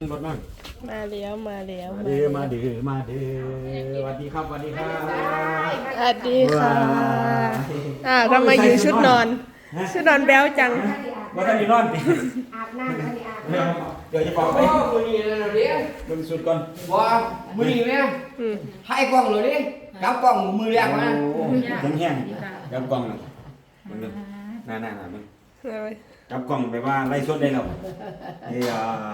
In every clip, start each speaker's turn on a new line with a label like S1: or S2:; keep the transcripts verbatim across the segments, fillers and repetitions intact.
S1: รถนั่ง
S2: มาเลี้ยวมาเลี้ยว
S1: มาเดือมาเดือมาเดือสวัสดีครับสวัสดีครับ
S2: สวัสดีค่ะอ่าทำไมอยู่ชุดนอนชุดนอนแบ๊วจัง
S1: ว่าท่านนี่นอนดิ
S3: อาบน้ำแล้วนี่อาบน้
S1: ำเดี๋ยวจะบอกไป
S4: มือนี่เลยเดี๋ยว
S1: มึงสุดก่อน
S4: ว่ามือนี่ไหมให้กล้องเลยดิกับกล้องมือแรกมา
S1: แห้งแห้งกับกล้องน่ะมึงดูน่าน่าน่ามึงกับกล้องไปว่าไล่สดได้แล้วเฮ้ย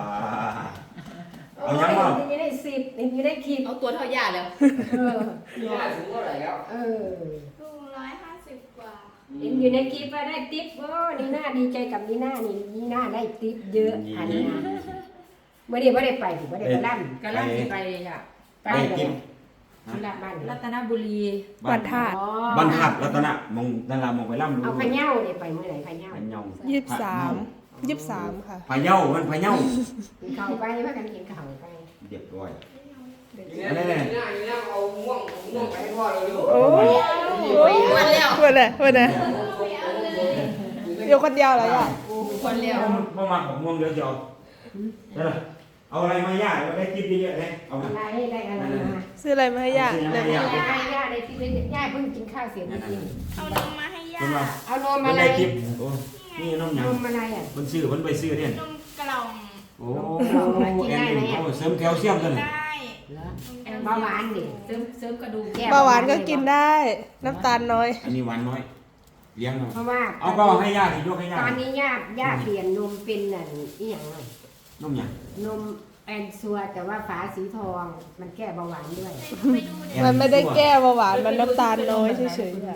S1: เอายังบ้าง
S3: นี่ได้สิบนี่ได้ขีด
S5: เอาตัวเท่าหญ้าแล้ว
S3: เอ
S4: อย่าสูงเท่าไหร่แล้ว
S3: เออ
S5: สูงร้อยห้าสิบกว่า
S3: เห็นอยู่ในคลิปว่าได้ติ๊บโอ้นี่น่าดีใจกับนี่น่านี่นี่น่าได้ติ๊บเยอะอันนี้นะเมื่อเดี๋ยวไม่ได้ไปไม่ได้ไปล่ำ
S5: กะล่ำสิไปอ่ะ
S1: ไปกิน
S3: ที่ละบ้าน
S5: รัตนบุรี
S2: บันทัด
S1: บันทัดรัตนะมองดารามองไปล่ำดู
S3: เอาพะเย้าเดี๋ยวไปเมื่อไหร่พะเย้า
S1: พะเย้า
S2: ยี่สิบสามยี่สิบสามค่ะ
S1: พะเย้ามันพะเย้า
S3: กินข้าวไปว่ากันกินข้าวไป
S1: เรียบร้อย
S4: นี่นี่นี่นี่เอาม่วงม่วงไปให้พ่อเลยดู
S2: โอ้ยวันแล้ววันแล้ววันแล้วอยู่คนเดียวเหรออ่ะ
S5: คนเดียว
S1: มามาของม่วงเดี๋ยวจะเอาเอาอะไรมาย่าได้กินเยอะเลยเอา
S3: อะไรได้อะไรมา
S2: ซื้ออะไรมาให้ย่า
S3: ได้ย่าย่าได้ที่เป็นย่าเพิ่งกินข้าวเสร็จเมื่อกี้
S5: เอานมมาให้ย่า
S3: เอานมอะไร
S1: นี่นมยัง
S3: นมอะไรอ่ะ
S1: มันซื้อมันไปซื้อเนี่ย
S5: นมกล่อง
S1: โอ้กินได้ไหมเสริมแคลเซียมกัน
S5: ได้
S3: เบาหวานดิ
S5: เสริมเสริมกระดูก
S2: เบาหวานก็กินได้น้ำตาลน้อย
S1: อันนี้หวานน้อยเลี้ยง
S3: เพราะว่า
S1: เอาก็ให้ย่าสิยกให้ย่า
S3: ตอนนี้ย่าย่าเปลี่ยนนมเป็นนั่นอีหยัง
S1: นมยัง
S3: นมแอนซัวแต่ว่าฝาสีทองมันแก้เบาหวานด้วย
S2: มันไม่ได้แก้เบาหวานมันน้ำตาลน้อยเฉยๆค่ะ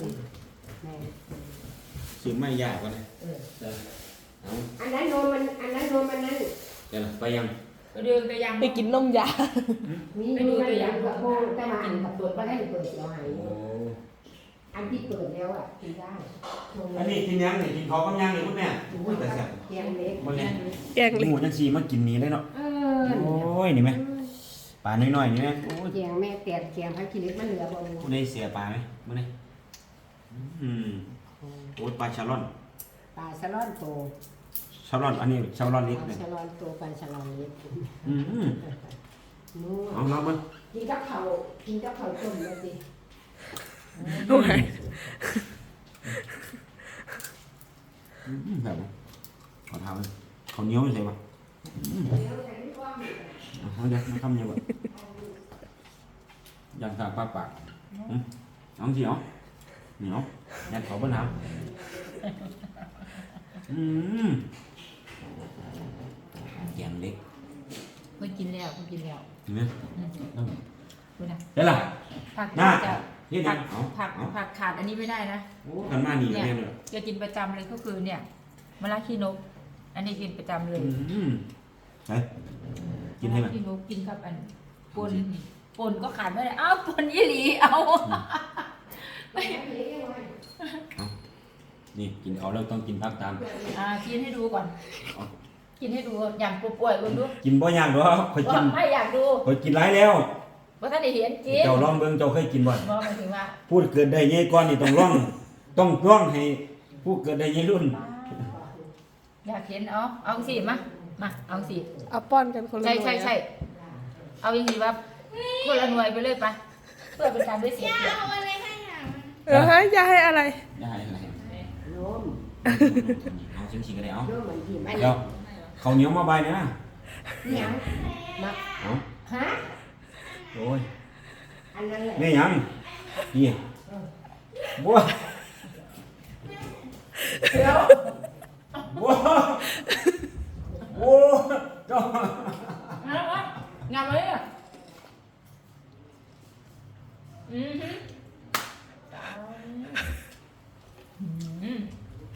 S1: ซื้อไม่ยากกว่านะ
S3: อันนั้นนมมันอันนั้นนมมันนั้น
S1: เดี๋ยวไปยัง
S5: ไปดูไปยัง
S2: ไปกินนมยา
S3: มีดูตัวอย่างกับโบแต่ว่าอันกับตัวก็ได้เปิดเราหายอันที่เปิดแล้วอ่ะกินได้
S1: อันนี้กินยังนี่กินเขากำยังนี่พุ่นแม่แต่แซ่บ
S3: แกงเล็ก
S2: แกงเล็ก
S1: หมูจังซีมากินนี้ได้เนาะโอ้ยนี่ไหมปลาน้อยๆนี่ไหมโอ้ย
S3: แกงแม่แกงแกงพักกิเล็กมันเหลือบ่
S1: ผู้ใดเสียปลาไหมมื้อนี้อืมโอ้ยปลาชาลอน
S3: ปลาชาลอนโต
S1: ชาลอนอันนี้ชาลอนเล็ก
S3: ชาลอนโตปลาชาลอนเล็ก
S1: อืมเอาลองมั้ย
S3: กินกับข้าวกินกับข้าวต้มเลยสิ
S2: โอ้ย
S1: แบบขอทำเลยเขาเหนียวไม่ใช่ปะเอาเดี๋ยวมาทำยังไงยันตาปากปากน้องจี๋อเหนียวยันเขาบ้านน้ำอืมแกงเล็ก
S5: เพิ่งกินแล้วเพิ่งกินแล้ว
S1: เห็นไหม
S5: ดูนะ
S1: ได้ละ
S5: ผักจะผักผักผักขาดอันนี้ไม่ได้นะ
S1: โอ้กันมาหนีเนี่ย
S5: จะกินประจำเลยก็คือเนี่ยมะระขี้นกอันนี้กินประจำเลย
S1: ใช่กินให้ไหม
S5: ขี้นกกินกับอันปนปนก็ขาดไม่ได้อ้าวปนยี่หลีเอา
S1: นี่กินเขาแล้วต้องกินพักตาม
S5: อ่ากินให้ดูก่อนกินให้ดูอย่างป่วยๆคุณดู
S1: กินบ่อยากหรอเคยกิน
S5: ไม่อยากดู
S1: เคยกินหลายแล้ว
S5: ว่าท่านได้เห็นจริง
S1: เจ้าลองเบิ่งเจ้าเคยกินบ่อย
S5: บอกมาถึงว่า
S1: พูดเกิดได้เงี้ยก่อนนี่ต้องร้องต้องร้องให้ผู้เกิดได้เงี้ยรุ่น
S5: อยากเห็นเอาเอาสิมามาเอาสิ
S2: เอาป้อนกันคนละหน่วย
S5: ใช่ใช่ใช่เอาอย่างนี้ว่าคนละหน่วยไปเลยปะเพื่อเป็นการได้เสียเปรียบ
S2: เอาอะไรให้อ่ะเออฮะยาให้อะไร
S1: ยาให้อะไร
S3: นม
S1: เอาชิงๆกันเลยเอา
S3: เ
S1: ดี๋ยวเขาเหนียวมาใบเนี่ยนะ
S3: นี่ยังมา
S1: เอา
S3: ฮะ
S1: โอ้ย
S3: อันนั้นแหละ
S1: นี่ยังนี่บัว
S3: เดี๋ยว
S1: บัวบัวจ้
S5: างามเลยอ่ะอืมอืม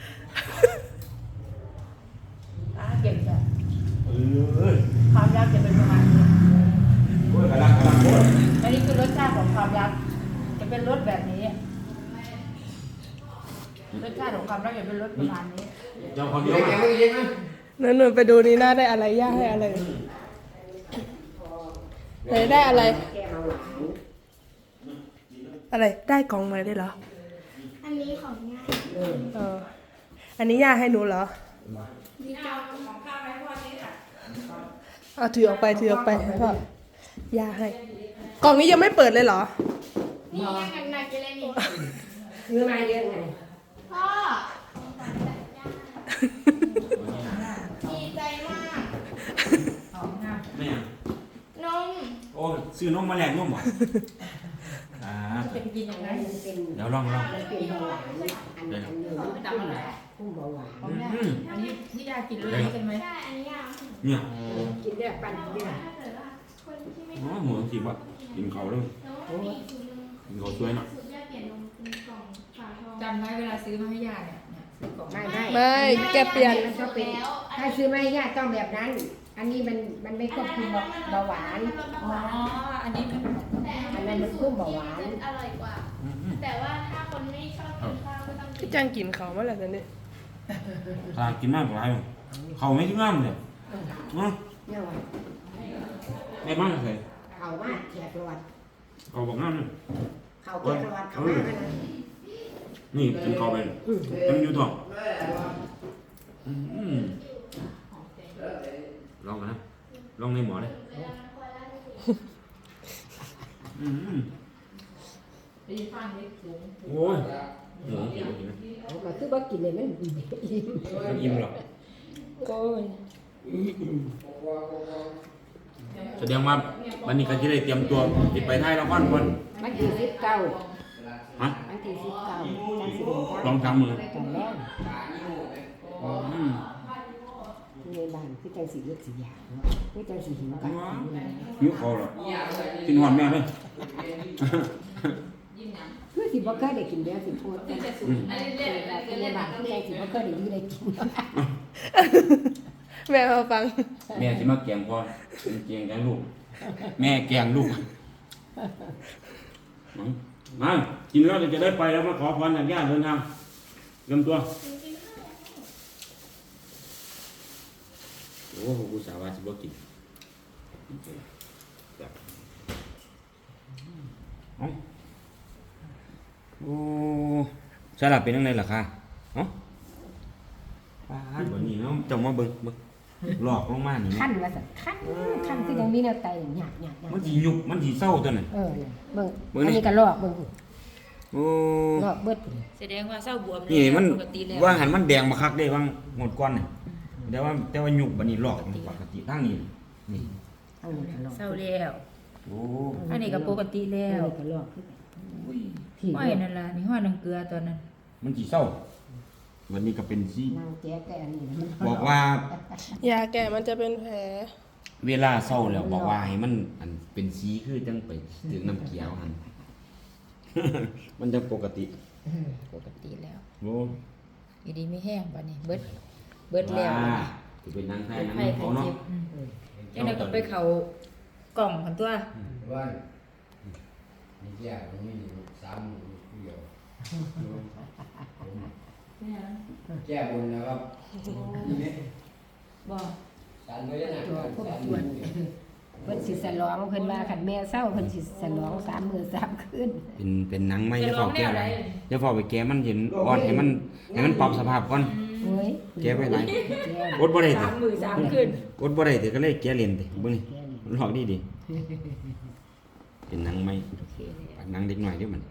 S5: อ่าเก่งจ้ะ
S1: เออ
S5: ความรักจะเป็นประมาณนี้
S1: โอ้ยกำลังกำลังโอ้ย
S5: อันนี้คือรสชาติของความรักจะเป็นรสแบบนี้รสชาติของความรักจะเป็นรสประมาณนี้
S1: เจ้าคนเดียวมา
S2: นั่นหนูไปดูนี่น่าได้อะไรย่าให้อะไรไหนได้อะไรอะไรได้กล่องมาได้เหรอ
S5: อันนี้ของย่า
S2: เอออันนี้ย่าให้หนูเหรอ
S5: ดีจังของข้าวไว้พอนี้ค่ะ
S2: อเอาถือออกไปถือออกไปพ่อยาให้ กล่องนี้ยังไม่เปิดเลยเหรอ
S5: นี่ยังกันหนักอยู่เลยนี่
S3: ซื้อมาเยอะไง
S5: พ่อดีใจมากหอมงาม
S1: ไม่ยัง
S5: นม
S1: โอ้ซื้อนมมาแลกนมบ่อ่า
S5: เป็นกินอย่างไร
S3: มันเป็น
S1: เดี๋ยวลองลอง
S3: มันเป็นเบาหวานอันอันนี้มันคุ้มเบาหวาน
S5: ของแม่อันนี้ที่ยากินเลยกันไหม
S1: เนี่ย
S3: กินได้ปั่นได้
S1: อ๋อหมูสิบ่กินเขาเลย
S3: โอ้ย
S1: กินเขาสวยเนาะ
S5: จำได้เวลาซื้อมาให้ยาเนี่ยซื้อกล่อง
S3: ไม่ไม่
S2: ไม่แกเปลี่ยน
S3: มันก็เป็นถ้าซื้อไม่ยากต้องแบบนั้น อันนี้มันมันไม่ควบคุมเบาหวาน
S5: อ๋ออันนี้
S3: อันนั้นมันคุ้มเบาหวาน
S6: อร่อยกว่า แต่ว่าถ้าคนไม่ชอบกินข้าวก็ต้องกิ
S2: พี่
S6: น
S2: จังกินเขาเมื่อไหร่กันเนี่ย
S1: ตากินมากกว่าไรเขาไม่ถึงงามเลยเนาะ
S3: เนี่ยว่า
S1: แม่บ้านเคย
S3: เขาว่าแขกรวด
S1: เขาบอกงามเลย
S3: เขาแขกรวดเขาว่านะ
S1: นี่กินเขาไปยังอยู่ต่ออืมลองกันนะลองในหมอเลยอืม
S5: ไปฟังเล็กสูง
S1: โอ้ยหมูกินกินนะ
S3: เขาก็คือว่ากินเลยมันอิ่ม
S1: มันอิ่มหรอก
S2: โอ้ย
S1: แสดงว่าวันนี้ก็จะได้เตรียมตัวจะไปไทยแล้วก่อนก่อน
S3: มันที่สิบเก้า
S1: ฮะ
S3: มันที่สิบเก้าการสิบเก้า
S1: ลองทำมือ
S3: ตอนแรก
S1: อืม
S3: ในบ้านคือจังสีเลือดสีหยาเนาะคือจังสีหิวกัน
S1: หิวเขาหรอกินหอมแม่เลย
S3: คือสิบ่เคยได้กินแล้วสิพูดแต่
S1: อืม
S3: ในบ้านคือจังสิบ่เคยได้อยู่ได้กิน
S2: แม่มาฟัง
S1: แม่จะมาแกงพ่อเป็นแกงแกงลูก แม่แกงลูกมากินแล้วจะได้ไปแล้วมาขอพรจากญาติเดินทางเตรียมตัวโอ้โหกูสาวาสิบ่กินเอ้าโอ้สลับเป็นยังไงล่ะคะเอ้าป้าดวันนี้เนาะจงมาเบิ่งเบิ่งหลอกลงมานี่
S3: ขั้
S1: เนาะ
S3: นว่าซั่นขั้นขั้นคือยังมีแนวไตหยาบหยาบหยาบ
S1: มันสิยุบมันสิเศร้าตัวนั้น
S3: เออเบิ่ง
S1: เบิ่ง
S3: อัน
S1: นี่
S3: นี้ก็ลอกเบิ่ง
S1: โอ้
S3: ลอกเบิด
S5: แสดงว่าเศร้าบวม
S1: นี่มัน
S5: ปกติแล้ว
S1: ว่าหันมันแดงมาคักได้ว่างหมดก้อนนี่แต่ว่าแต่ว่ายุบบัดนี้หลอกมันปกติทั้งนี้นี่
S3: เอานี่ก็ลอก
S5: เศร้าแล้ว
S1: โอ้
S5: อันนี้ก็ปกติ
S3: อัน
S5: แล้ว
S3: นี้ก็ลอกคือที่
S5: ห้อยนั่นล่ะนี่ห้อยน้ำเกลือตอนนั้น
S1: มันสิเศร้าวันนี้ก็เป็นสิ
S3: นางแจ๊กแต่อันนี้มัน
S1: บอกว่า
S2: ยาแก่มันจะเป็นแผล
S1: เวลาเศร้าแล้วบอกว่าให้มันอันเป็นสีคือจังไปถึงน้ำเขียวหัน มันจะปกติ
S5: ปกติแล้ว
S1: โอ้
S5: อยู่ดีไม่แห้งบัดนี้เบิดเบิดแล้วบัดนี้
S1: จะเป็นนางไทย
S5: เป็น
S1: นาง
S5: ไข้
S1: เขา
S5: ไข้
S1: เนาะ
S5: เจ็บอืมเจ้าหน้าก็ไปเขากล่องของตัว
S4: ว่านี่แย่ตรงนี้สามหมื่นเดียวแก้บนนะครับ
S5: บ่
S4: สารไม่ได้หนัก
S3: ตัวพวก
S4: สาร
S3: ส่วนเพิ่นสิสลองเพิ่นว่าคันแม่เศร้าเพิ่นสิสลองสามมื้อสามคืน
S1: เป็นเป็นหนังไหม
S5: จะ
S1: จะ
S5: ร้
S1: เฝ้า
S5: องแน
S1: แก้
S5: ว
S1: อะไร
S5: ใด
S1: จะเฝ้าไปแก้มันเห็นอ่อนให้มันให้มันปรับสภาพก่อน
S3: โอ้ย
S1: แก้ไปไหน
S3: แก้
S1: อดบ่ได้
S5: สา
S1: ติ
S5: มมือสามคืน
S1: อดบ่ได้ติก็เลยแก้เล่นติเบิ่งนี่มันหลอกดีดิเป็นหนังไหมหนังเด็กหน่อยเด้อมัน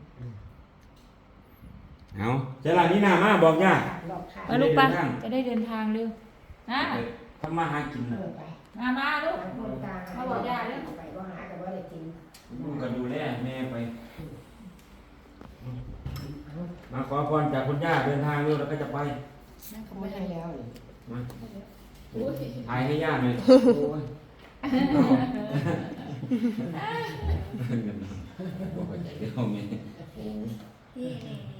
S1: เอาเจ้าล่ะนี่น่ามาบอกย่า
S3: ลอกขา
S5: มาลูกปะจะได้เดินทางเร็วนะ
S1: ทำมาหากิน
S3: เออไป
S5: มามาลูก
S3: คนกลาง
S5: มาบอกย่าเด้อ
S3: ไปบ่หาก็บ่ได้กิน
S1: ลูกก็ดูแลแม่ไป มาขอพรจากคุณย่าเดินทางเร็วแล้วก็จะไป
S3: เขาไม่ให้แล้วนี่
S1: มาถ่ายให้ย่าหน่อยโอ้ยบอกไปใจเดี๋ยวแม่โอ้ย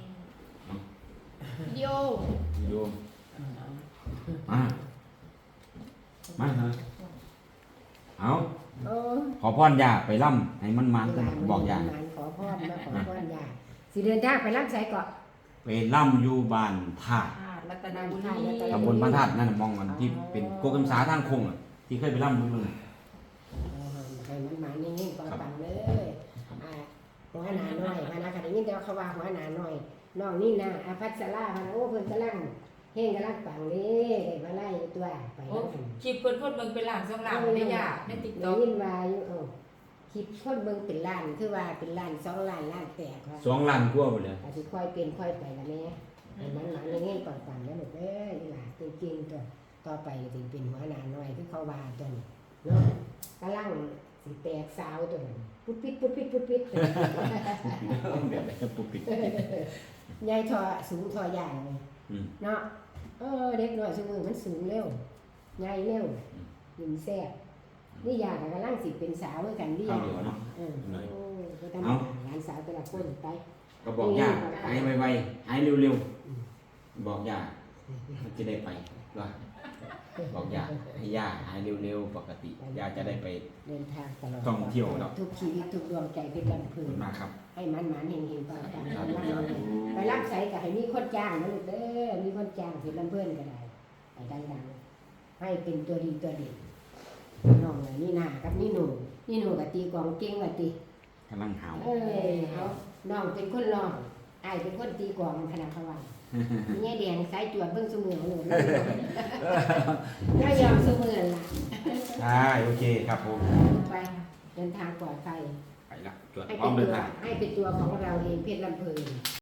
S6: วิดีโอ
S1: โยมมามาเถอะเอา
S3: โอ้
S1: ขอพรย่าไปล่ำให้มันมันกันบอกย่า
S3: หลานขอพรมาขอพรย่าสิเดินทางไปรับใส่เกาะ
S1: ไปล่ำอยู่บ้านธาตุ
S5: รัตนา
S3: นา
S5: บุ
S3: บุ
S5: ญ
S3: ญ
S5: ไท
S3: ไท
S5: ย
S3: ย
S1: ตำบลบ้านธาตุนั่นน่ะมองกันที่เป็นโกกำสาทางคงอ่ะที่เคยไปล่ำดูเลย
S3: ให้มันมานิ่งๆก่อนปังเลยอ่าหัวหนาน้อยพนักงานได้ยินแต่ว่าเขาว่าหัวหนาน้อยน้องนี่นะอาพัสราพนักโอ้เพิ่นกำลังเเฮงกำลังปังนี่ได้มาไล่ตัวไป
S5: โอ้
S3: แล้วกัน
S5: คลิปเพิ่นคนเบิ่งเป็นหลังสองหลังได้ยากใน
S3: ได้
S5: TikTok
S3: ยินว่าอยู่เอ้าคลิปคนเบิ่งเป็นล้านคือว่าเป็นล้านสองล้านล้านแตกว่า
S1: สองล้านกว่าหมดเลย
S3: อาจสิค่อยเป็นค่อยไปละแม่ให้มันหลังเงี้ยปังๆแล้วลูกเอ้ยนี่ล่ะเก่งๆตัวต่อไปสิเป็นหัวหน้าน้อยคือเขาว่าตัวนี้เนาะกำลังสิแตกสาวตัวนั้นปุ๊บปิดปุ๊บปิดปุ๊บปิด
S1: แบบไหนปุ๊บปิด
S3: ยายทอสูงทอยางเลย
S1: อืม
S3: เนาะเออเด็กน้อยสมือมันสูงเร็วใหญ่เร็วหินแซ่บนี่ยากับกำลังสิเป็นสาวเหมือนกันนี่
S1: ข้า
S3: า
S1: วยเดียวเนาะ
S3: เออ
S1: หน่อย
S3: โอ้ก็ทำหลานสาวแต่ละคนไป
S1: ก็บอกย่าหายไวๆหายเร็วๆบอกย่ามันจะได้ไปว่าบอกย่าให้ย่าหายเร็วๆปกติย่าจะได้ไป
S3: เดินทางตลอด
S1: ท่องเที่ยวเนาะ
S3: ทุกชีวิตทุกดวงใจเป็นลำ
S1: ขอบ
S3: พึ
S1: คุ
S3: ง
S1: ณมากครับ
S3: ให้มันหมานเฮงเฮงๆปังปัง
S1: สา
S3: ไป
S1: ธุ
S3: รับ
S1: สาธุ
S3: ไปรับใส่กับให้มีคนจ้างนะลูกเด้อมีคนจ้างเป็นลำเพื่อนก็ได้ไปดังๆให้เป็นตัวดีตัวเด่นน้องเลยนี่นากับนี่หนูนี่หนูกับตีกลองเก่งกับตี
S1: กำลังหาว
S3: เออเอาน้องเป็นคนร้องอายเป็นคนตีกลองขนาดเขาว่ามีแง่แดงสายจวดเบิ่งสมือเลยก็ยอมสมือล่ะ
S1: ใช่โอเคครับผม
S3: ไปเดินทางปลอดภัย
S1: ไปละจวด
S3: ให้
S1: พร้อ
S3: เป็
S1: ม
S3: น
S1: เดิน
S3: ตัว
S1: ทาง
S3: ให้เป็นตัวของเราเองเพชรลำเพลิน